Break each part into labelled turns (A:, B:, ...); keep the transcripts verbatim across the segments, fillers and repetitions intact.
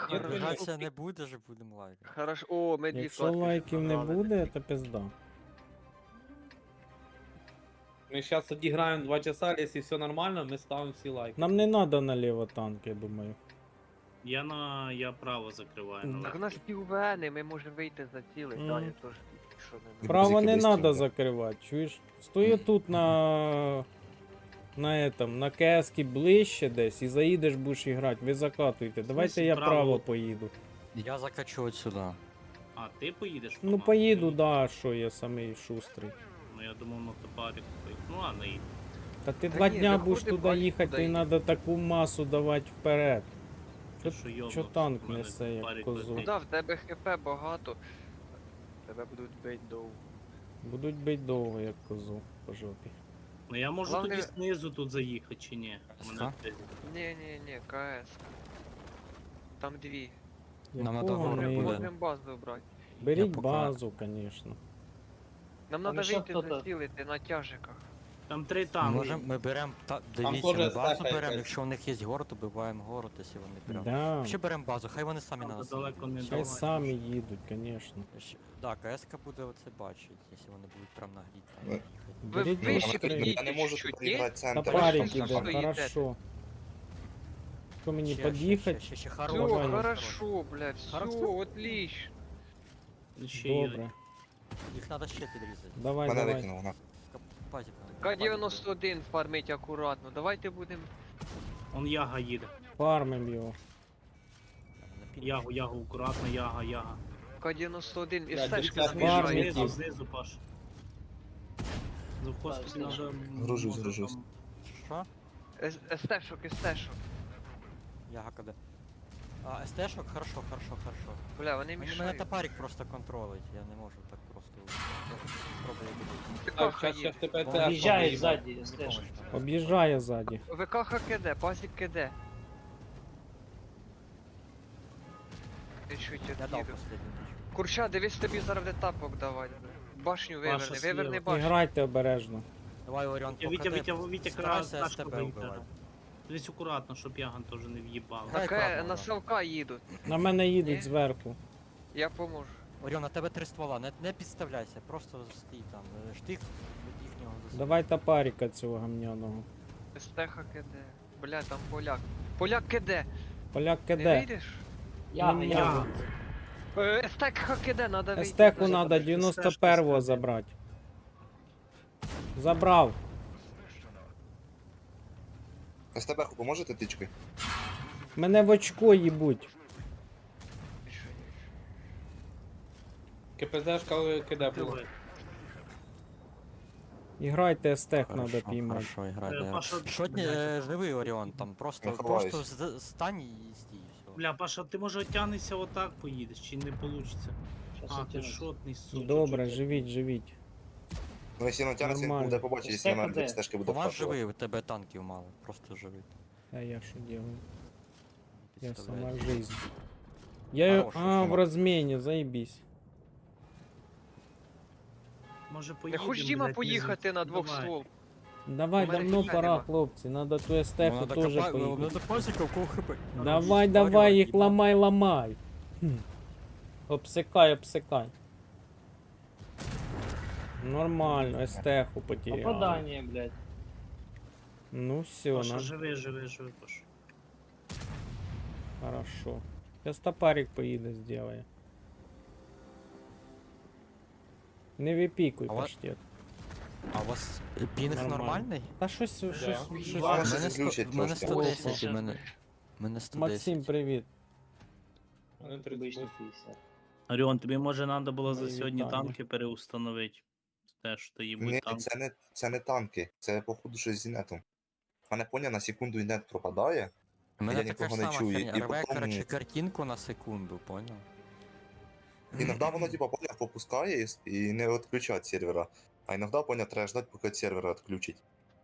A: Хорошо.
B: Обіжатися не буде, ж будемо лайкати.
A: Хорошо. О, ми дві
C: Якщо
A: флотки вже
C: лайків не
A: набрали.
C: буде, то пизда.
D: Ми зараз відіграємо два часа, якщо все нормально, ми ставимо всі лайки.
C: Нам не треба наліво танк, я думаю.
E: Я на я право закриваю.
C: Мгм.
E: на
A: Так у
E: левий.
A: нас піввени, ми можемо вийти за цілий,
C: Мгм.
A: да, я теж. Що не
C: Право
F: Музики
C: не
F: без
C: треба
F: тінька.
C: закривати, чуєш? Стою тут на... На этом, на КС ближче десь і заїдеш будеш грати, ви закатуйте. Давайте
E: смысле
C: я
E: право?
C: право поїду.
B: Я закачу от сюди.
E: А, ти поїдеш?
C: Ну
E: Роман?
C: поїду, да, що я самий шустрий.
E: Ну я думав на топарик поїду. Ну ладно, їдь.
C: Та ти
A: Та
C: два
A: ні,
C: дня
A: виходи,
C: будеш туди
A: бачиш,
C: їхати,
A: куди
C: тобі
A: їдеш.
C: треба таку масу давати вперед.
E: Ти
C: Чо-
E: що, йобнувся?
C: чо танк
E: У мене
C: несе, як
E: топарик
C: козу?
E: летить.
A: Ну да, в тебе хп багато. Тебе будуть бить довго.
C: Будуть бить довго, як козу по жопі.
E: Ну я можу
A: Главне-
E: тоді знизу тут заїхати чи ні? У мене
B: Ага.
E: десь-
A: Ні, ні, ні, КС. Там дві.
B: Нам
C: Якого
B: надо гору
C: ми-
A: Можемо
B: буде.
A: можемо базу брати.
C: Беріть
B: пока-
C: базу, звісно.
A: Нам
D: Там
A: треба
D: ще
A: вийти
D: хто-то.
A: зацілити на тяжиках.
E: Там три
B: Ми,
E: танки.
B: можем, ми беремо, та, дивіться,
D: теж
B: ми базу
D: стака
B: беремо,
D: якась.
B: якщо у них є город, то биваємо город, якщо вони прям.
C: Да.
B: Ще беремо базу, хай вони самі
E: Там
B: на нас.
E: далеко не
B: їдуть.
C: Хай
E: давай.
C: самі їдуть, звісно.
B: Ще- Да, КСК буде оце бачить, якщо вони будуть прям на грі там
F: Ви-
B: їхати.
A: Ви
C: Беріть
A: вище
C: базу.
A: підійдіть
F: Я не можу
A: чуть-чуть,
F: тут
A: ні?
F: приїхати
C: Та
F: центр.
C: парик
A: що
C: іде,
A: стоїте?
C: хорошо. Що мені
B: Ще, ще,
C: під'їхати?
B: ще, ще, ще,
A: Все,
B: хорош,
C: Давай.
B: хорош,
A: хорошо, блядь, все,
B: Хорошо.
A: отлично.
E: Ще їдуть.
C: Добре.
B: Їх треба ще підрізати.
C: Давай,
F: Мене
C: давай.
F: викинуло, на.
B: Пазіка.
A: К дев'яносто один фармить акуратно. Давайте будемо.
E: Он яга їде.
C: Фармим його.
E: Ягу, ягу, акуратно, яга, яга.
A: К дев'яносто один і
D: Блядь,
A: стежка
D: дивіться,
C: Фармить
A: набіжає.
C: їх.
E: Знизу, знизу, Паш. За хвост тобі надо...
F: Гружусь,
E: може,
F: гружусь.
E: там-
B: Що?
A: Стешок, стешок.
B: Я ГКД. А, СТ-шок? Хорошо, хорошо, хорошо.
A: Бля, вони
B: Мені мене
A: мішають.
B: топарик просто контролить, я не можу так просто. Я спробую добити.
D: Так,
A: ВКХ
D: зараз
A: є.
D: ще ТПТ.
G: Об'їжджає ззаді,
B: Мені
G: стежка.
B: помощь треба.
C: Об'їжджає ззаді.
A: ВКХ КД, пазик КД. Ти чуть
B: Я дав
A: від'їду.
B: последню тичку.
A: Курча, дивись тобі зараз де тапок давати. Башню
E: Паша
A: виверни, виверни
E: слева.
A: башню.
C: Грайте обережно.
B: Давай, Оріон,
E: Вітя, Вітя,
B: покати,
E: Вітя, Вітя,
B: старайся
E: крас,
B: СТБ
E: тачку вийти.
B: вбивати.
E: Дивись акуратно, щоб яган теж не в'їбав.
B: Грай
A: Так е,
B: акуратно,
A: на
B: Оріон.
A: Савка їдуть.
C: На мене їдуть
A: Ні?
C: зверху.
A: Я поможу.
B: Оріон, на тебе три ствола, не, не підставляйся, просто стій там, е, штих від їхнього засуну.
C: Давай топарика цього гамняного.
A: Стеха КД. Бля, там поляк. Поляк КД.
C: Поляк
A: Не
C: киде.
A: вийдеш?
G: Я,
C: Ну,
G: я.
C: можу.
A: Е, Стеха КД, надо вийти.
C: Естеху
A: Надо-
C: треба дев'яносто першого забрати. Забрав.
F: СТБ поможете тичкою?
C: Мене в очко їбуть.
D: КПЗшка киде було.
E: Диви.
C: Іграйте естех
B: Хорошо,
C: треба піймати.
B: хорошо, грай,
E: Е,
B: да.
E: Паша,
B: Шотні, е, живий Оріон, там просто,
F: Я ховаюсь.
B: просто з- стань і стій, і все.
E: Бля, Паша, ти може оттянешся отак поїдеш, чи не получиться?
G: Щас
E: А,
G: я
E: ти
G: тяну.
E: шотний, сука.
C: Добре, живіть, живіть.
F: Ну, якщо натягнеться, він
C: Нормально.
F: буде побачити, якщо
G: Стека
F: на мене
G: де?
F: стежки буде
B: У вас
F: вкатувати.
B: живий, у тебе танків мало, просто живий.
C: А я що делаю? Я
B: Підставляйся.
C: сама жизнь. Я...
B: Хороший,
C: А, в
F: сама.
C: розміні, заєбісь.
E: Може
A: Не
E: поїдемо,
A: хоч Діма
E: блядь,
A: поїхати
E: внизу?
A: на двох
E: Давай.
A: ствол.
C: Давай,
A: У мене
C: давно
A: хп
C: пора,
A: нема.
C: хлопці. Надо ту естеху
B: Надо
C: теж
B: копа-
C: поїхати.
B: Надо пасіка, у кого хп.
C: Давай, давай, їх ламай, ламай. Хм. Обсикай, обсикай. Нормально, естеху потеряли.
G: Попадання, блядь.
C: Ну все,
E: Паша,
C: на...
E: живи, живи, живи, Паша.
C: хорошо. Сейчас топарик поїде, сделає. Не випікуй,
B: А ва-
C: паштет.
B: А у вас пінг
C: Нормально.
B: нормальний?
C: Та щось, щось, щось.
F: Два
B: У
F: рази
B: мене
F: заглючить
B: сто- у мене
F: трошки.
B: сто десять,
G: Ось,
B: у мене... У мене сто
C: Максим,
B: десять.
C: привіт.
D: Вони
G: Обично
D: тридцять.
G: п'ятдесят.
E: Оріон, тобі може треба було за
C: Мої
E: сьогодні
C: вітання.
E: танки переустановити. Те, що ти
F: Ні,
E: їбуть танки.
F: це не, це не танки, це походу щось з інетом. Мене поняв, на секунду інет пропадає.
B: У мене
F: Я
B: така ж
F: нікого не
B: сама
F: чую,
B: херня.
F: і
B: Рве,
F: потім-
B: коротше, картинку на секунду, понял?
F: Іноді воно типа поняв попускає і, і не відключає від сервера. А іноді поняв, треба ждати, поки від сервера відключить.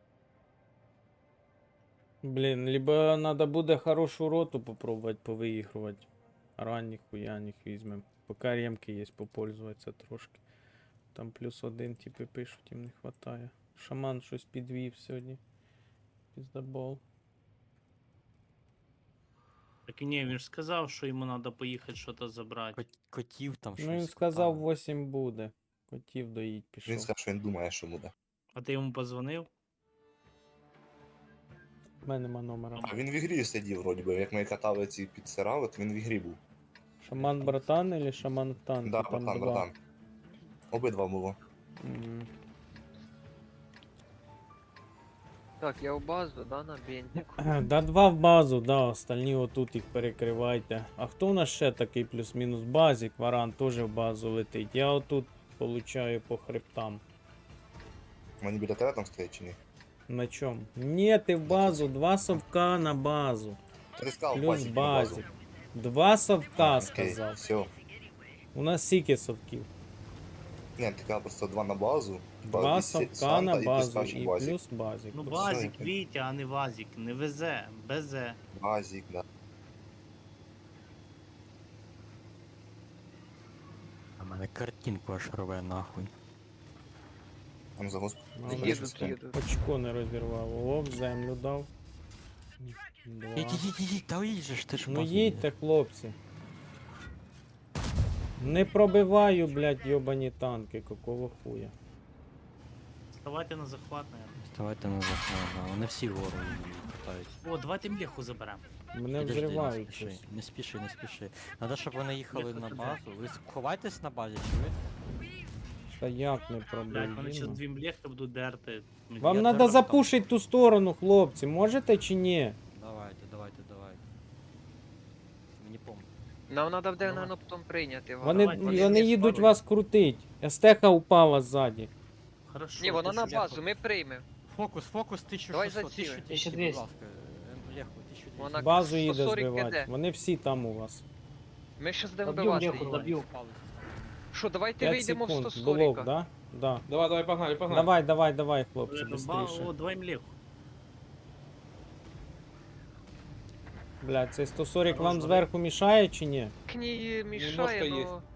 C: Блін, либо надо буде хорошу роту попробувати повиігрувати. Ранніх хуяних візьмем. Поки ремки є, попользуватися трошки. Там плюс один, типи пишуть, їм не хватає. Шаман щось підвів сьогодні. Піздабол.
E: Так і ні, він ж сказав, що йому треба поїхати щось забрати.
B: Кот- Котів там щось.
C: Ну він
B: з
C: сказав,
B: котами.
C: вісім буде. Котів доїть пішов.
F: Він сказав, що він думає, що буде.
E: А ти йому позвонив?
C: У мене нема номера.
F: А він в ігрі сидів, вроді би, як ми катали ці підсирали, то він в ігрі був.
C: Шаман братан или шаман в танку?
F: Да,
C: Там
F: братан,
C: два.
F: братан. Обидва було.
C: Мгм.
A: Так, я в базу, да, на бензику.
C: Да, два в базу, да, остальні отут їх перекривайте. А хто у нас ще такий плюс-мінус базік? Варан теж в базу летить. Я отут получаю по хребтам.
F: Мені біля тебе там стоять чи ні?
C: На чому? Ні, ти в базу, два совка на базу.
F: Ти сказав,
C: Плюс
F: базік на базу.
C: базік. Два совка
F: Окей,
C: сказав.
F: все.
C: У нас скільки совків?
F: Ні, ти казав просто два на базу.
C: Два
F: і Сі-
C: совка
F: Санта,
C: на
F: і
C: базу
F: піскачий
C: і
F: базік.
C: плюс базік.
E: Ну
F: все,
E: базік,
F: я-
E: Вітя, а не вазік. Не везе, безе.
F: Базік, да.
B: А мене картинку аж рве нахуй.
F: Там за госп...
C: Ну,
F: за
A: Їдуть,
F: госп-
A: їдуть.
C: Очко не розірвало. Оп, землю дав. Два.
B: Їдь, їдь, їдь, їдь, та їдь, ти ж в
C: Ну
B: базу
C: їдьте, хлопці. Не пробиваю, блядь, йобані танки, какого хуя.
E: Вставайте на захват, наверное.
B: Ставайте на захват, да. Вони всі гору питають.
E: О, давайте млеху заберемо.
C: Мене
B: Підожди,
C: взривають
B: не спіши,
C: щось.
B: не спіши, не спіши. Надо, щоб вони їхали
E: Млеха
B: на
E: туди.
B: базу. Ви ховайтесь на базі, чи ви?
C: Та як не
E: Блять, вони
C: пробив?
E: зараз дві млехи будуть дерти.
C: Вам
B: Я
C: треба
B: зараз
C: запушити ту сторону, хлопці. Можете чи ні?
B: Давайте, давайте, давайте. Мені помню.
A: Нам треба буде,
E: Давай.
A: наверное, потім прийняти. Варан.
C: Вони,
E: давайте,
C: вони
E: всі
C: їдуть
E: спалюють.
C: вас крутить. Естеха упала ззаді.
E: Хорошо.
A: Ні, вона
E: ти
A: на
E: що,
A: базу, ми приймемо.
B: Фокус, фокус тисяча
A: Давай
B: шістсот,
A: заціли.
B: тисяча двісті, будь ласка. Е, Леху, тисяча двісті.
A: Вона
C: Базу їде
A: сто сорок
C: збивати.
A: киде.
C: Вони всі там у вас.
A: Ми ще будемо
G: Доб'ю
A: вбивати
G: млеху,
A: її.
G: доб'ю.
A: Що, давайте
C: п'ять
A: вийдемо в
C: секунд.
A: сто
C: Блок,
A: сорок.
C: да? Да.
D: Давай, давай, погнали, погнали.
C: Давай, давай, давай, хлопці,
E: Е, ба-
C: швидше.
E: О, давай млеху.
C: Блядь, цей сто сорок
E: Хорош,
C: вам
E: давай.
C: зверху мішає чи ні?
A: Кні мішає,
F: Немножко є.
A: но...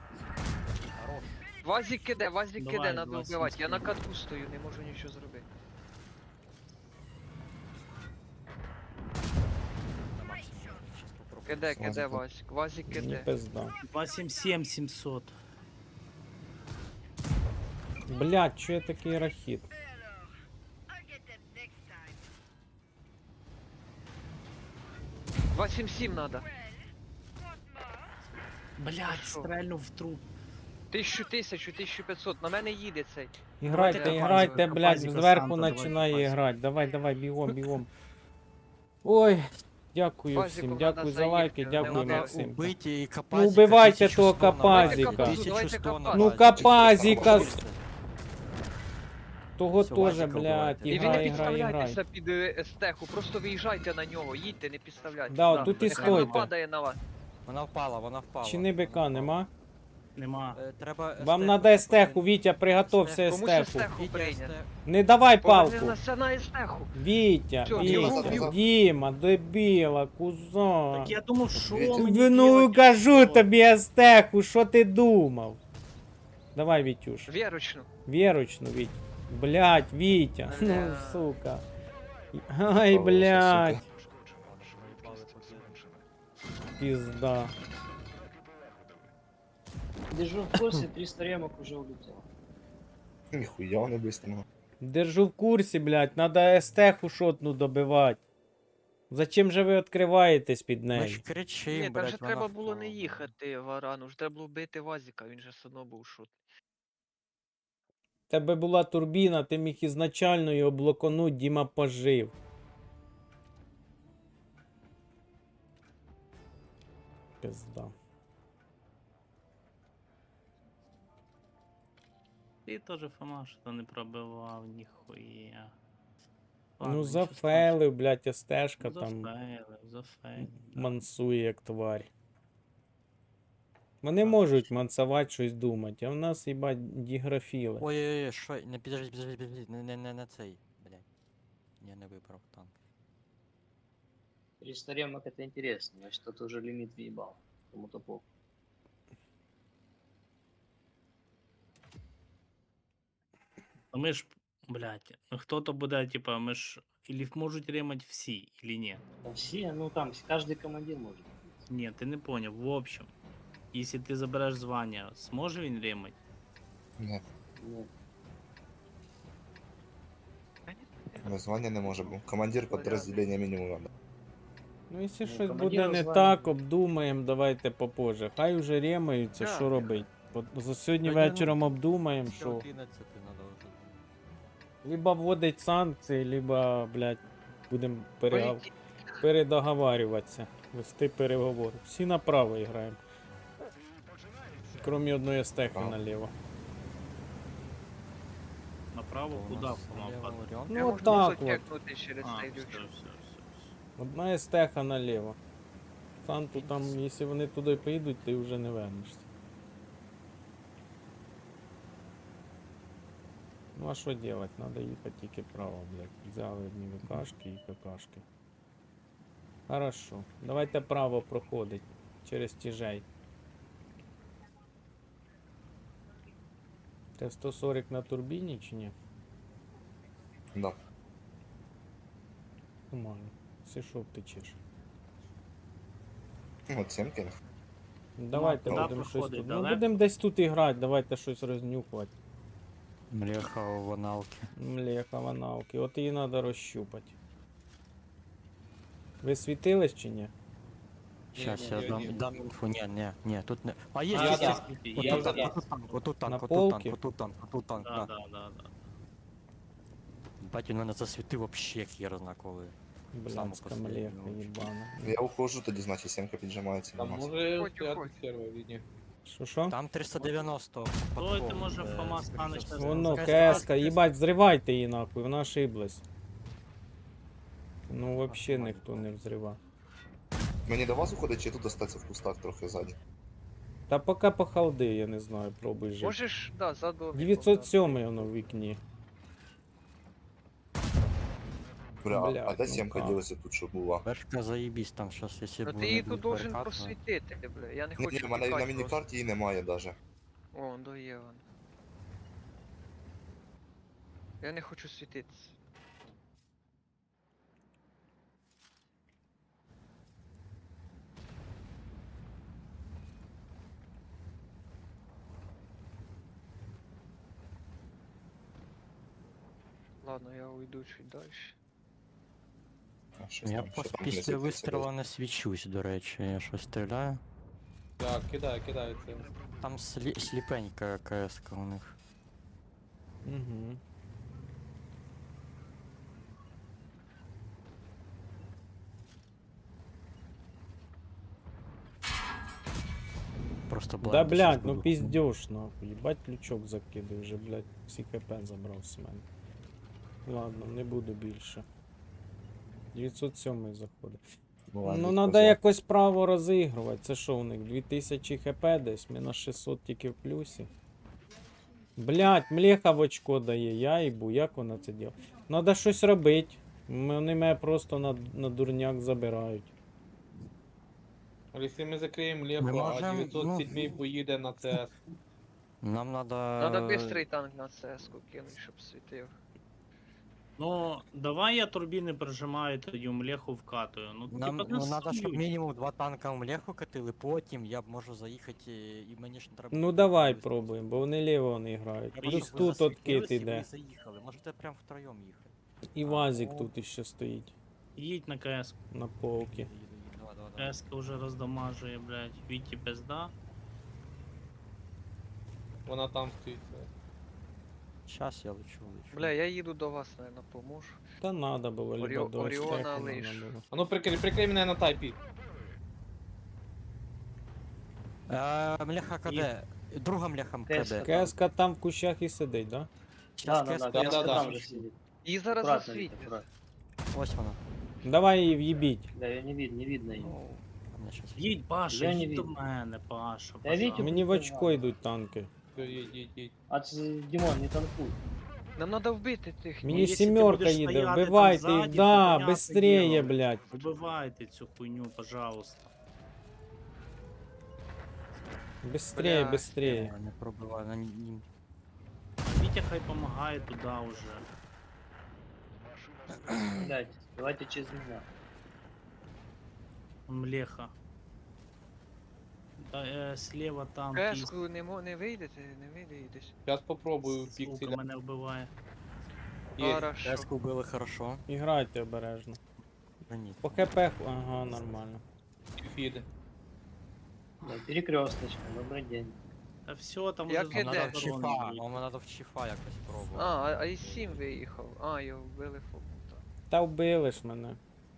A: Вазик киде, вазик
E: Давай,
A: киде, надо
E: давай,
A: вбивати. Я на
E: сімський.
A: катку стою, не можу нічого зробити.
B: На максимум. Щас попробую.
A: Киде, киде,
F: Вазику.
A: Вазик. Вазик
C: Ні
A: киде.
C: пизда.
E: два сім сім сімсот.
C: Блядь, чо я такий рахіт?
A: два сім сім надо.
E: Блять,
A: Що?
E: стрельнув в труп.
A: Тисячу, тисячу, тисячу п'ятсот. На мене їде цей.
C: Іграйте,
A: Давайте
C: іграйте,
E: Капазіка,
C: блядь,
E: Капазіка,
C: зверху
E: Санта, давай,
C: починає
E: Капазіка.
C: грати. Давай, давай, бігом, бігом. Ой, дякую
A: Капазіку
C: всім,
A: надо
C: дякую за
A: заїхати,
C: лайки,
A: не
C: дякую
A: надо
C: Максим.
B: Убийте і
C: Ну,
B: Капазіка.
C: убивайте
B: тисячу
C: того
B: сто на
C: Капазіка.
B: базі,
A: Давайте
B: тисячу сто на
A: Капазіка.
C: Ну
B: базі.
C: Капазіка,
B: Тисячу сто.
C: того
B: Все,
C: теж,
B: Вазіка
C: блядь,
B: вбивайте.
A: І ви не
C: іграй, іграй, іграй.
A: підставляйтеся під е, естеху, просто виїжджайте на нього, їдьте, не підставляйтеся.
C: Да,
E: Да,
C: тут і
A: Нехай вона
C: стойте.
A: падає на вас.
B: Вона впала, вона впала.
C: Чи не бика
B: Вона
C: нема?
E: Нема.
B: впала. Е, Треба
C: Вам
B: естеху,
C: надо
B: треба
C: естеху,
B: один.
C: Вітя, приготовся
A: Комусь
C: естеху.
A: естеху
B: Вітя,
A: прийняти.
B: естеху.
C: Не давай палку.
A: Повернися на естеху.
C: Вітя,
A: Всё,
F: бігом,
C: Вітя,
F: бігом.
C: Діма, дебіла, кузон.
E: Так я думав, що
F: Вітя.
E: мені
C: Ви, ну
E: делать?
C: кажу
E: Що?
C: тобі естеху, що ти думав? Давай, Вітюш.
A: Вірочну.
C: Вірочну, Віть. Блять, Вітя. Ну,
A: Бля.
C: сука. Ай,
F: О,
C: блять.
F: сука.
C: Пизда.
G: Держу в курсе, триста ремок уже улетело.
F: Ніхуя не бистрого.
C: Держу в курсі, блять. Надо естеху шотну добивати. Зачем же ви відкриваєтесь під
B: Ми ж
C: нею?
B: кричим,
A: Ні, там
B: блядь,
A: же
B: вона
A: треба було не
B: впала.
A: їхати Варану, ж треба було бити Вазіка, він же все одно був шут.
C: Тебе була турбіна, ти міг ізначально його блоконуть, Діма пожив. Пизда.
E: Ти теж Фома, що то не пробивав, ніхуя.
C: Ну
E: Ладно,
C: зафейлив, блять,
E: нічого
C: естешка
E: страшного.
C: там
E: Зафейлив, зафейлив. да.
C: мансує як тварь. Вони можуть мансувати щось думати, а в нас їбать діграфіли.
B: Ой-ой-ой, що? Не підожди, підожди, підожди, не, не, не на цей, блядь. Я не вибрав танк.
G: триста ремок это интересно, значит, кто-то уже лимит въебал. Кому-то похуй.
E: Ну ми ж, блядь, ну хто-то буде, типа, ми ж Или можуть ремать всі, или ні?
G: Да все, ну там каждый командир может.
E: Ні, ти не поняв. В общем, якщо ти забереш звання, зможе він ремать?
F: Ні,
G: Нет.
F: названня не може бути. Командир підрозділення мінімум надо.
C: Ну, якщо
G: Ну,
C: щось буде
G: командира
C: не
G: звання.
C: так, обдумаємо, давайте попозже. Хай уже ремаються,
A: Так.
C: що робить. От за сьогодні
B: Та ні, ну,
C: вечором обдумаємо,
B: Після
C: що.
B: одинадцяти надо вже.
C: Либо вводить санкції, либо, блядь, будемо перегав...
A: Полетіть.
C: передоговарюватися, вести переговори. Всі направо граємо. Кроме одної стехи
F: Право.
C: наліво.
E: Направо
B: У
E: куди
B: нас
E: вона
B: наліво
E: впаде?
B: варіант.
C: Ну,
A: Я можу
C: отак
A: просто
C: от.
A: тягнути через
E: А,
A: цей
E: все,
A: люк.
E: все, все, все.
C: Одна стеха наліво. Санту там, якщо вони туди поїдуть, ти вже не вернешся. Ну а що делать? Надо їхати тільки право, блядь. Взяли одні ВКшки і ККшки. Хорошо. Давайте право проходить. Через тяжей. Т сто сорок на турбіні чи ні?
F: Да.
C: Нормально. Все що втечеш.
F: Ну, от сімки.
C: Давайте
E: куди
C: будемо щось
E: проходить?
C: тут. Ну
E: Далеко?
C: будемо десь тут і грати, давайте щось рознюхувати.
B: Млеха у ваналки.
C: Млеха ваналки. От її треба розщупати. Ви світились чи ні?
B: Сейчас
D: ні,
B: я
D: ні,
B: дам,
D: ні.
B: дам інфу. Ні, ні, ні, тут не. А є,
E: А,
B: є,
E: да,
B: є.
E: я
B: Отут
E: вже
B: танк, отут танк, отут танк,
C: На
B: отут
C: полки?
B: танк, отут танк, отут танк,
E: Да,
B: да.
E: да, да, да.
B: Бать, він мене засвітив вообще хер зна коли. Саму
C: Блядська
B: последню
C: млеха
B: вообще.
C: їбана.
F: Я ухожу, тоді значить сімка піджимається
D: Там
F: до нас.
D: може
A: Ходь,
D: стояти
A: ходь.
D: сервер лінії.
C: Що що?
B: Там триста дев'яносто.
E: Ой, ти,
B: подков,
E: може,
B: е,
E: Фома
B: скоріше
E: станеш
B: за
E: на
B: все.
C: Воно,
B: Скоріше,
C: КС-ка, їбать, зривайте її нахуй, вона ошиблась. Ну вообще ніхто не взрива.
F: Мені до вас уходить, чи тут остатися в кустах трохи ззаді?
C: Та поки по халди, я не знаю, пробуй жити.
A: Можеш, да, задом.
C: дев'ятсот сьомий воно в вікні.
F: Бля, а- а
C: Блядь,
F: де
C: ну
F: сімка
C: как?
F: ділася тут, що була?
B: Вершка заїбісь там щас, якщо
A: Ну
B: б
A: ти її
B: вони
A: тут
B: будуть
A: должен
B: перекатувати.
A: просвітити, бля. Я не
F: Ні,
A: хочу
F: ні, в мене на
A: тікати просто.
F: міні-карті її немає даже.
A: О, до є вон. Я не хочу світитися. Ладно, я уйду чуть дальше.
F: А, щось
B: Я
F: там,
B: пос-
F: що там не
B: після
F: світиться
B: вистрілу не свічусь, до речі, я щось стріляю.
D: Так, кидаю, кидаю це.
B: Там слі- сліпенька КС-ка у них.
C: Угу.
B: Просто
C: Да
B: блайнд
C: блядь,
B: щас
C: ну
B: буду.
C: пиздёж нахуй. Ебать ключок закидує вже, блядь, всі хп забрав з мене. Ладно, не буду більше. дев'ятсот сьомий заходить.
F: Ну, ладно,
C: Ну надо
F: поза.
C: якось право розігрувати. Це що у них? дві тисячі хп десь, ми на шістсот тільки в плюсі. Блять, млеха в очко дає, я їбу, як вона це діла? Надо щось робити. Вони мене просто на, на дурняк забирають.
D: Але якщо ми закриємо
B: Ми
D: Леху, а
B: можем,
D: дев'ятсот сім поїде на ЦС.
B: Нам надо...
A: Надо быстрий танк на цеску кинуть, щоб світив.
E: Ну, давай я турбіни прижимаю, тоді млеху вкатую. Ну,
B: Нам
E: типа,
B: ну, надо, щоб
E: насують.
B: мінімум два танка в млеху катили, потім я б можу заїхати і мені ж не треба...
C: Ну давай пробуємо, бо вони ліво не грають.
B: Я
C: Плюс
B: бачу, ви
C: тут
B: засвітились,
C: откид
B: і ви
C: іде.
B: заїхали. Можете прям втроєм їхати.
C: І вазик тут іще стоїть
E: Їдь на КС.
C: на полки.
B: Їду, їду, їду. Давай, давай, давай.
E: КС вже роздамажує, блядь. Віті пизда.
D: Вона там стоїть.
B: Щас я лечу, лечу.
A: Бля, я їду до вас, наверное, поможу.
C: Та надо було, либо
A: Оріо-
C: до
A: Оріона
C: стеку
A: лиш.
C: надо було.
D: А ну прикрий, прикрий мене на тайпі.
B: Е, мляха КД. Друга мляха
G: КС.
B: КД.
C: КСК там в кущах і сидить, да?
G: Да,
B: Щас
G: да,
B: КС.
G: да,
D: да,
G: КС
D: да,
G: там
D: да.
G: же сидит.
A: І зараз
G: Аккуратно,
A: засвітить.
G: Витя, аккуратно.
B: Ось вона.
C: Давай її в'їбіть.
G: Да, ее не видно, не видно ее.
B: Ну, а мене щас.
E: Їдь, Паша,
G: Я не
E: їдь до
G: видно.
E: мене, Паша.
G: Я Вітю-
E: пожалуйста.
C: Мені в очко йдуть танки.
D: Все, їдь, їдь, їдь.
G: А ц- Димон, не танкуй.
A: Нам надо вбити тих.
C: Мені
E: якщо ти
C: сімерка
E: будеш
C: їде,
E: стояти там
C: вбивайте їх,
E: ззаді,
C: да,
E: то понятне
C: быстрее,
E: діло.
C: блядь.
E: Убивайте цю хуйню, пожалуйста.
C: Быстрее,
A: Бля,
C: быстрее.
B: Я не пробиваю, на нім.
E: Вітя хай помагає туди уже.
G: Блять, давайте через меня.
E: Млеха. Да, е, слева там кіс.
A: Кеску не, мо- не вийдете, не вийдеш.
D: Зараз попробую
E: Сука
D: пікселя.
E: мене вбиває.
D: Є.
A: Хорошо.
B: Кеску вбили хорошо.
C: Іграйте обережно.
B: Да ні.
C: По хп, ху- ага, нормально.
D: Фіди.
G: Да, перекресточка, добрый день.
E: Та все, там
A: Як
E: уже
A: іде?
B: Нам надо в
E: заборонено
B: чифа,
E: буде.
B: нам надо в чифа якось
A: А,
B: пробувати.
A: а, а і сім виїхав. А, його вбили фокута.
C: Та вбили ж мене.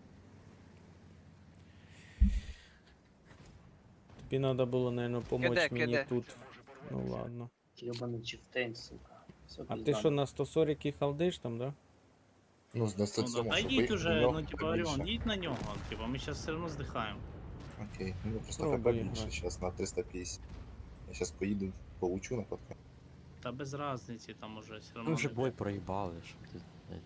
C: Тобі треба було, мабуть, допомогти
A: Киде,
C: мені
A: киде.
C: тут. Ну ладно.
G: Ебаный чифтейн, сука. Всё
C: А ти
G: пизда.
C: що на сто сорок і халдиш там, да?
F: Ну, з
E: Ну,
F: сто
E: да,
F: сьомого,
E: та
F: щоб
E: йдіть
F: виїхати
E: уже,
F: до нього,
E: ну типа,
F: побільше.
E: Оріон, йдіть на нього, типа, ми зараз все одно здихаємо.
F: Окей, ну просто
C: Пробуй
F: хп більше,
C: грати.
F: зараз на триста п'ятдесят. Я зараз поїду, получу на подкаст.
E: Та без разниці, там уже все
B: Ми
E: одно.
B: вже
E: не-
B: бой проїбали, що ти. блядь.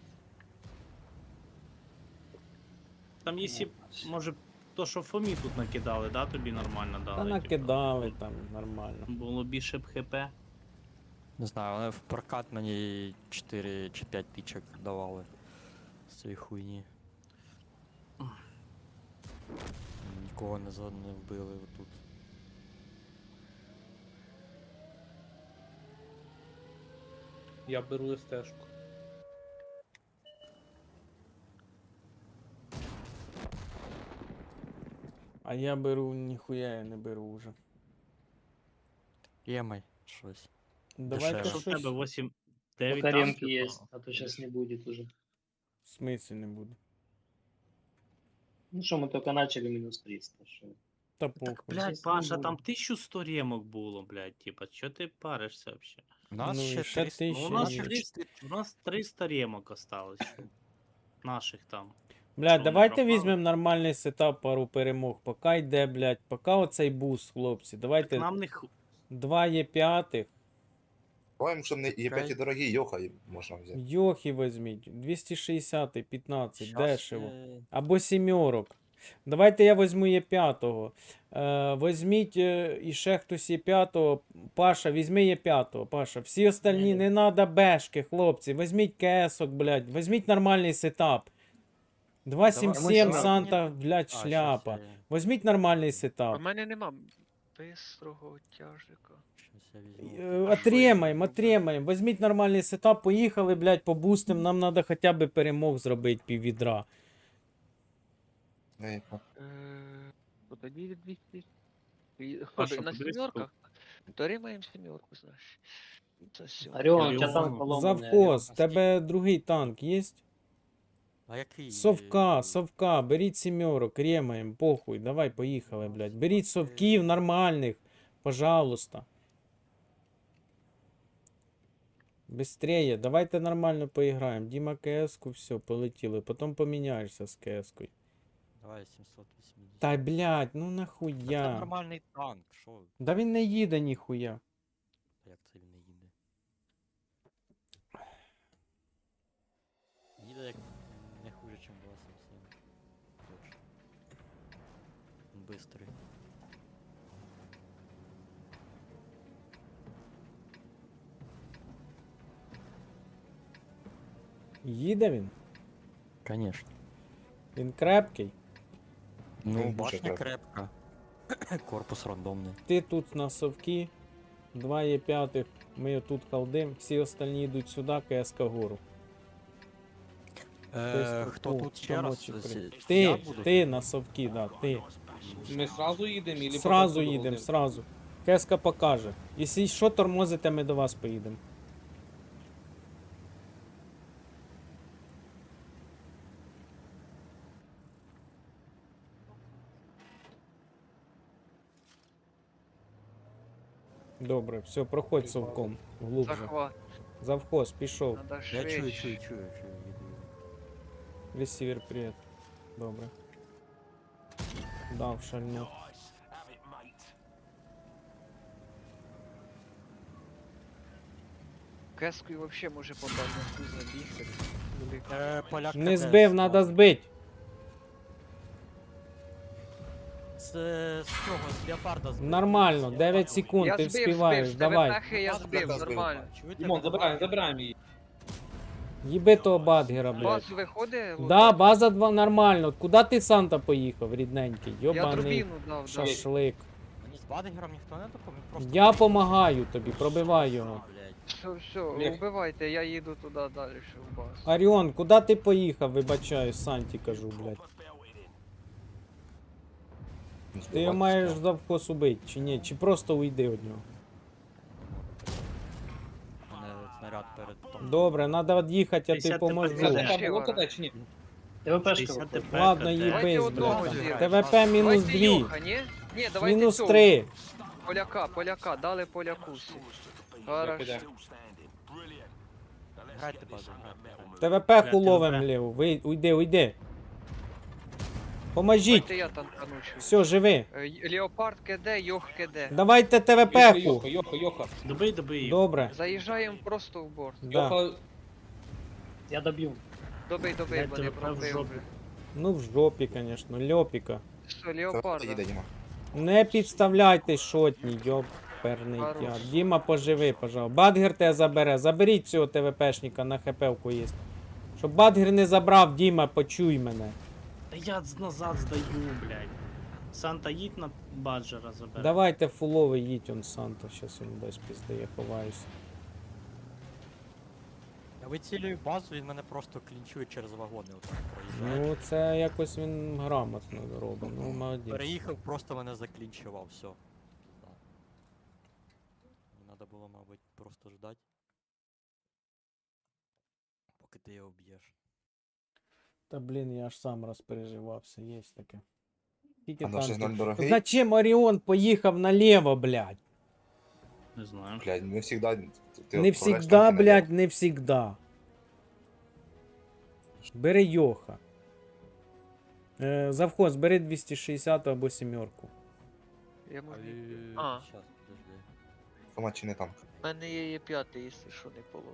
E: Там якщо, може, то, що Фомі тут накидали, да, тобі нормально дали?
C: Та
E: типа?
C: накидали там нормально.
E: Було більше б хп.
B: Не знаю, вони в прокат мені чотири чи п'ять тичок давали з цієї хуйні. Нікого не, за- не вбили тут.
D: Я беру стежку.
C: А я беру, ніхуя я не беру вже.
B: Ємай, щось.
C: Давайте
B: Дешево.
E: Що в
C: щось.
E: тебе вісім дев'ять
G: Пока ремки
E: танків?
G: есть, а то сейчас не будет уже.
C: В смислі не буде.
G: Ну что, мы только начали минус триста. Шо?
C: Та
E: Так,
C: похуй.
E: блядь,
G: Щас не
E: Паша,
G: буде.
E: там тисячу сто ремок було, блядь, типа, що ти паришся вообще?
B: У нас
C: Ну і
B: ще
C: ще
B: триста.
C: тисяча
E: Ну, у нас
C: є.
E: триста, у нас триста ремок осталось. що. Наших там.
C: Блядь,
E: Що, вони
C: давайте
E: пропали?
C: візьмемо нормальний сетап, пару перемог. Пока йде, блядь, пока оцей буст, хлопці.
E: Так
C: Давайте
E: нам не ху...
C: два є п'ятих.
F: Давай, щоб не є п'ять дорогі, йоха і можна взяти.
C: Йохи візьміть. двісті шістдесят, п'ятнадцять,
B: Щас,
C: дешево.
B: е,
C: Або сімерок. Давайте я візьму є п'ятого. Е, візьміть е, і ще хтось є п'ятого. Паша, візьми є п'ятого. Паша, всі остальні не треба бешки, хлопці. Візьміть кесок, блядь. Візьміть нормальний сетап. два сім сім
A: Давай,
C: Санта, блядь,
B: а, щас
C: шляпа.
B: я-
C: Візьміть нормальний
A: А
C: сетап.
A: в мене нема бистрого тяжика.
B: щас я візьму.
C: Е, Отримаємо, отримаємо. Візьміть нормальний сетап, поїхали, блядь, побустим. Нам треба хоча б перемог зробити піввідра.
F: Ей, а,
A: Е, то тоді двісті. І-
E: Паша,
A: На
E: подивись
A: сімерках? То римаємо сімерку, знаєш. Це все.
G: Орион, у тебя
E: Орион.
G: там поломанный.
C: Завхоз, тебе другий танк є?
B: А який?
C: Совка,
B: е,
C: совка, беріть сімерок, ремаємо, похуй, давай, поїхали, блядь. Беріть совків нормальних, пожалуйста. Быстрее, давайте нормально поіграємо. Діма КС-ку, все, полетіли. Потім поміняєшся з КС-кою.
B: Давай сімсот вісімдесят.
C: Та, блядь, ну
B: Та Це
C: нахуя.
B: нормальний танк, що?
C: Да він не їде ніхуя.
B: Як це він не їде? Їде як не хуже, ніж два сім сім. Точно. Він бистрий.
C: Їде він?
B: Конечно.
C: Він крепкий.
B: Ну,
F: дуже
B: башня
F: крепко.
B: крепка. Корпус рандомний.
C: Ти тут на совки, два є п'ятих, ми тут халдим, всі остальні йдуть сюди, КСК гору.
B: Е,
C: тут
B: хто
C: по-
B: тут ще раз?
C: помочі
B: Це-
C: при-
B: це я
C: Ти,
B: буду?
C: ти на совки, да, ти.
D: Ми сразу їдемо или
C: Сразу їдемо, сразу. КСК покаже. Якщо що тормозите, ми до вас поїдемо. Добре, все, проходь совком. Глубже.
A: Захват.
C: Завхоз, пішов.
A: Надо
B: Я чую, чую,
A: швидше.
B: чую, чую, їду.
C: Ресівер, привіт. Добре. Дав шальну.
A: Кескою вообще може попасть на ту забігти. Велика.
B: Е, поляк
C: Не
B: КД
C: збив, треба
B: слабий.
C: збити.
B: З, з цього, з леопарда збив.
C: Нормально, дев'ять секунд,
A: Я
C: ти
A: збив,
C: вспіваєш,
A: збив, з тебе
C: давай.
A: пахи я
F: Ладно,
A: збив,
F: так, збив.
A: нормально.
B: Чуєте,
D: Дімон,
B: мене
D: забираємо,
B: бачите?
D: забираємо її.
C: Їби того Бадгера, блядь.
A: Баз виходить?
C: Да,
A: лутати?
C: база два нормально. Куди ти Санта поїхав, рідненький?
A: Я
C: Йобаний
A: дробіну дав, да.
C: шашлик.
B: Мені з Бадгером ніхто не допоміг, просто...
C: Я помагаю тобі, пробивай його.
B: Блядь.
A: Все, все,
D: Блях.
A: убивайте, я їду туди далі, ще в баз.
C: Оріон, куди ти поїхав, вибачаю, Санті кажу, блядь. Ти його маєш завкос убити, чи ні? Чи просто уйди від нього?
B: У мене снаряд перед том.
C: Добре, треба від'їхати, я тобі
E: п'ятдесят
C: поможу.
E: тепер
D: Каже,
A: Ще
D: там було
A: вара.
D: куди чи ні?
G: ТВПшка
E: шістдесят
G: виходить.
E: ТП,
C: Ладно,
E: КТ.
C: їбись,
A: Давайте одного
C: блядь.
A: зіграємо.
C: ТВП мінус
A: Давайте
C: дві.
A: Йоха, ні? Ні, давайте
C: Мінус
A: цього.
C: три.
A: Поляка, поляка, дали поляку всі. Хорошо.
D: Іде.
B: Грайте базу, грайте. грайте.
C: ТВП хуловим ліву. Ви, уйди, уйди. Поможіть.
A: Давайте я танкану щось.
C: Все, живи.
A: Е, Леопард КД, Йох КД.
C: Давайте
D: Йоха,
C: ТВП-ку.
D: Йоха, Йоха, Йоха.
E: Добий, добий їх.
C: Добре.
A: Заїжджаємо просто в борт.
C: Да.
D: Йоха,
G: Я доб'ю.
A: Добий, добий,
E: Дайте
A: вони
E: ВП в
A: пробили.
E: жопу.
C: Ну в жопі, звісно, льопіка.
A: Все,
F: Їде,
A: Леопарда.
F: Діма.
C: Не підставляйте шотні, йоперний
A: Хорош.
C: тяг. Діма, поживи, пожалуйста. Бадгер тебе забере. Заберіть цього ТВПшника на хпвку є. Щоб Бадгер не забрав, Діма, почуй мене.
E: Та я з- назад здаю, блядь. Санта, їдь на Баджера забере.
C: Давайте фуловий їдь, он Санта, щас йому десь піздає, ховаюся.
B: Я вицілюю базу, він мене просто клінчує через вагони. Отак проїжджає.
C: Ну, це якось він грамотно робить, ну молодець.
B: Переїхав, просто мене заклінчував, все. Пізда. Мені треба було, мабуть, просто ждати. Поки ти його б'єш.
C: Та блін, я аж сам розпереживався, є таке. Скільки
F: А наш
C: танків?
F: знак дорогий?
C: Зачем Оріон поїхав наліво, блядь?
E: Не знаю.
F: Блядь, не всегда... ти
C: Не
F: відправляєш
C: всегда,
F: танки
C: блядь, не всегда. Бери Йоха. Е, завхоз, бери двісті шістдесят або сімерку.
A: Я можу.
B: А.
A: А.
B: Щас, подожди.
F: наліво. Формат чи не танк?
A: У мене є є п'ятий, якщо що не поломано.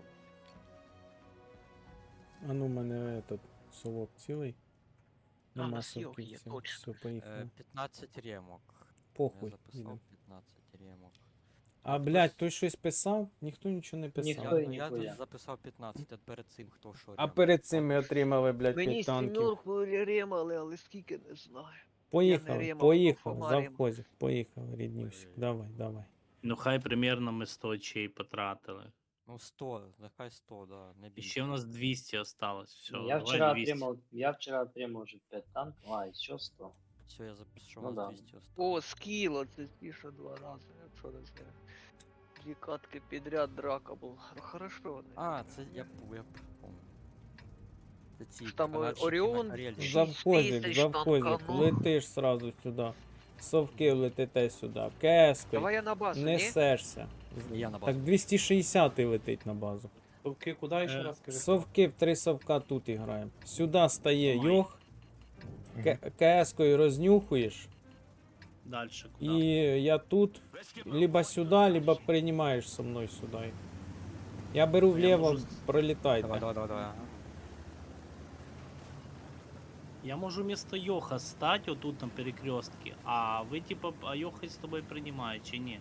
C: А ну, в мене этот совок цілий.
A: А, у
C: Нема
A: нас Йох
C: совків
A: є,
C: цілих.
A: точно.
C: Все, поїхали.
B: Е, п'ятнадцять ремок.
C: Похуй.
B: Я записав
C: їдем.
B: п'ятнадцять ремок.
C: А, блядь, той щось писав? Ніхто нічого не писав.
G: Ніхто.
B: Я, я
G: ніхуя.
B: тут записав п'ятнадцять, а перед цим хто що
C: А
B: ремок.
C: перед цим ми отримали, блядь,
A: Мені
C: п'ять танків.
A: сімерку ремали, але скільки не знаю.
C: Поїхали,
A: ремав,
C: поїхали,
A: Фома ремав.
C: завхозик, поїхали, ріднюсик. Давай, давай.
E: Ну хай примерно ми сто очей потратили.
B: Ну сто, нехай сто, да, не
E: І
B: більше.
E: ще у нас двісті осталось. Все,
G: я
E: давай
G: вчера
E: двісті.
G: отримал, я вчера отримал уже пять танков, а еще сто.
B: Все, я запишу,
G: Ну
B: у нас
G: да.
B: двісті осталось.
A: О, скіло, це більше два рази, якщо не знаю. Дві катки підряд драка була. Ну хорошо вони.
B: А, це я пу- я помню. Це ці
A: Там, е,
B: канадчики на
A: Оріон,
B: Карельці.
A: Шість
C: Завхозик,
A: тисяч
C: завхозик,
A: танканув.
C: летиш сразу сюди. Совки летите сюди. Кескою.
A: Давай я на базу, ні?
C: Несешся.
B: Я на базу.
C: Так двісті шістдесят летить на базу.
D: Совки куди ще
E: Е,
D: раз скажи?
C: Совки в три совка тут і граємо. Сюди стає
E: Ой.
C: Йох, КС-кою рознюхуєш,
E: Дальше куди?
C: і я тут, либо сюди, либо приймаєш со мною сюди. Я беру
E: Я
C: вліво,
E: можу-
C: пролітайте.
B: Давай, давай, давай, давай. ага.
E: Я можу вместо Йоха стать отут на перекрестке, а ви типа, а Йоха з тобою приймає чи ні?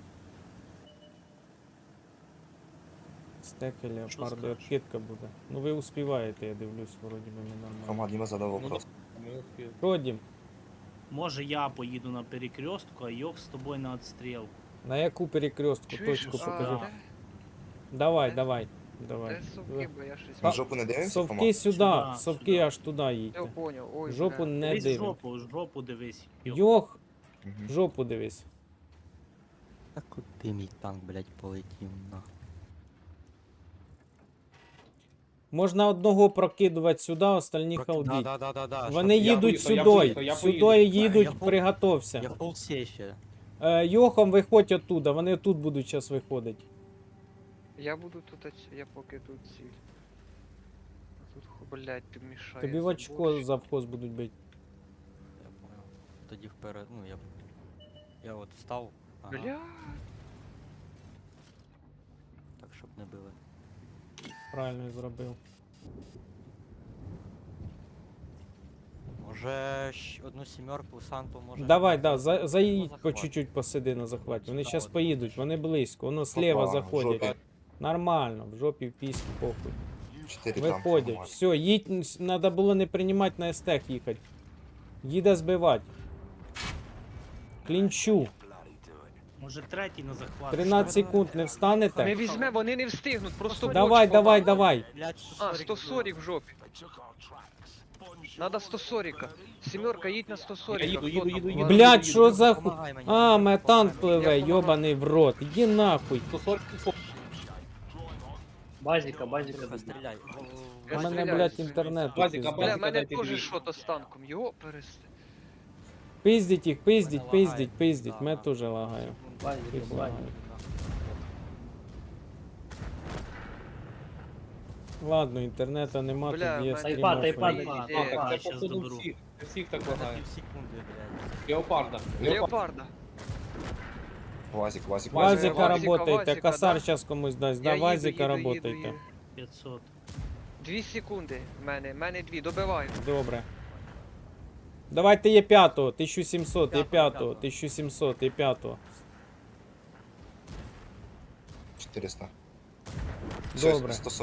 C: Стеки
E: Що
C: леопарди,
E: скажеш?
C: откидка буде. Ну ви успіваєте, я дивлюсь, вроді би не нормально.
F: Формат Діма задав
D: Ну,
F: вопрос.
D: Ми-
C: Родім,
E: Може я поїду на перекрестку, а Йох з тобою на отстрілку.
C: на яку перекрестку
A: Чуєш?
C: точку
A: А,
C: покажу.
E: да.
A: де-
C: Давай,
A: Де?
C: давай, давай.
A: Де совки, бо я щось...
F: Ми в жопу не дивимося,
C: Совки
F: Формат?
C: сюди,
E: Сюда,
C: совки
E: сюди.
C: аж туди
A: Я
C: їдьте.
A: поняв, ой,
C: Жопу
A: бля.
C: не
E: Дивись
C: дивимо.
E: жопу, жопу дивись. Йох.
C: Йох,
F: Мгм.
C: жопу дивись.
B: Та куди мій танк, блядь, полетів нахуй.
C: Можна одного прокидувати сюди, остальні
B: Да,
C: халдіть.
B: да, да, да, да.
C: Вони
D: Я
C: їдуть
D: поїхав, я
C: сюди,
D: поїхав, я
C: сюди
D: поїду.
C: їдуть,
B: Я пом-
C: приготовся.
B: Я в полсейфі.
C: Е, Йохом виходь оттуда, вони тут будуть зараз виходити.
A: Я буду тут, оць- я поки тут ціль. А тут, ху- блядь, ти мішає.
C: Тобі в очко завхоз будуть бити.
B: Я понял. Тоді вперед, ну я. Я от встав. Ага,
A: Бля,
B: так, щоб не били.
C: Правильно зробив.
B: Може щ- одну сімерку Санту може.
C: Давай,
B: на-
C: да, за,
B: на
C: заїдь по
B: захват.
C: чуть-чуть посиди на захваті. Вони
B: Да,
C: зараз
B: от
C: поїдуть,
B: бачиш.
C: вони близько, воно слева
F: Опа, в
C: заходять.
F: жопі.
C: Нормально, в жопі в піськи, похуй.
F: чотири там.
C: Виходять.
F: нормально.
C: Все, їдь, треба було не приймати на естех їхати. Їде збивати. Клінчу.
E: Може третій на захват.
C: тринадцять секунд не
A: Не
C: встанете?
A: візьме, вони не встигнуть, просто
C: Давай,
A: боч
C: давай,
A: побачить.
C: давай.
B: Блядь,
A: А, сто сорок в жопі. Надо сто сорок. Сімерка, їдь на сто сорок.
D: Я їду, їду, їду, їду.
C: Блядь, що за ху...
B: Помагай мені.
C: А, мене танк пливе,
A: Я помагаю.
C: йобаний в рот. Іди нахуй.
D: сто сорок.
G: Базика, базика.
B: Тихо, стріляй.
C: У
A: Я
C: мене,
A: стріляю.
C: блядь, інтернет.
D: Базіка,
C: пизда.
A: Бля,
D: базіка,
A: мене
D: дайте
A: теж
D: дві.
A: що-то з танком. Його перести.
C: Пиздіть їх, пиздіть,
B: Мене
C: пиздіть,
B: лагає.
C: пиздіть.
B: Да,
C: Мене
B: да.
C: теж лагає.
G: Базика,
C: Їх
G: базика.
C: лагає. Ладно, інтернету нема,
A: Бля,
C: тут є
A: мене-
C: стрім.
G: Тайпа, тайпа,
C: охуєнний.
G: тайпа.
A: Ідея.
D: А, так це
E: щас
D: походу
E: доберу.
D: всіх. Всіх так
B: Мене
D: лагає.
B: пів секунди, блядь.
D: Леопарда.
A: Леопарда.
F: Вазик, Вазик,
C: Вазика
A: Вазика,
C: работайте,
A: Вазика,
C: косар
A: да.
C: зараз комусь дасть.
A: Я
C: Да,
A: їду,
C: Вазика
A: їду, їду,
C: работайте.
A: їду.
E: п'ятсот.
A: Дві секунди в мене, в мене дві, добиваю.
C: Добре. Давайте є п'ятого, тисяча сімсот, є
B: П'ятого,
C: п'ятого,
B: п'ятого.
C: тисяча сімсот, є п'ятого.
F: чотириста.
C: Добре.
F: сто сорок.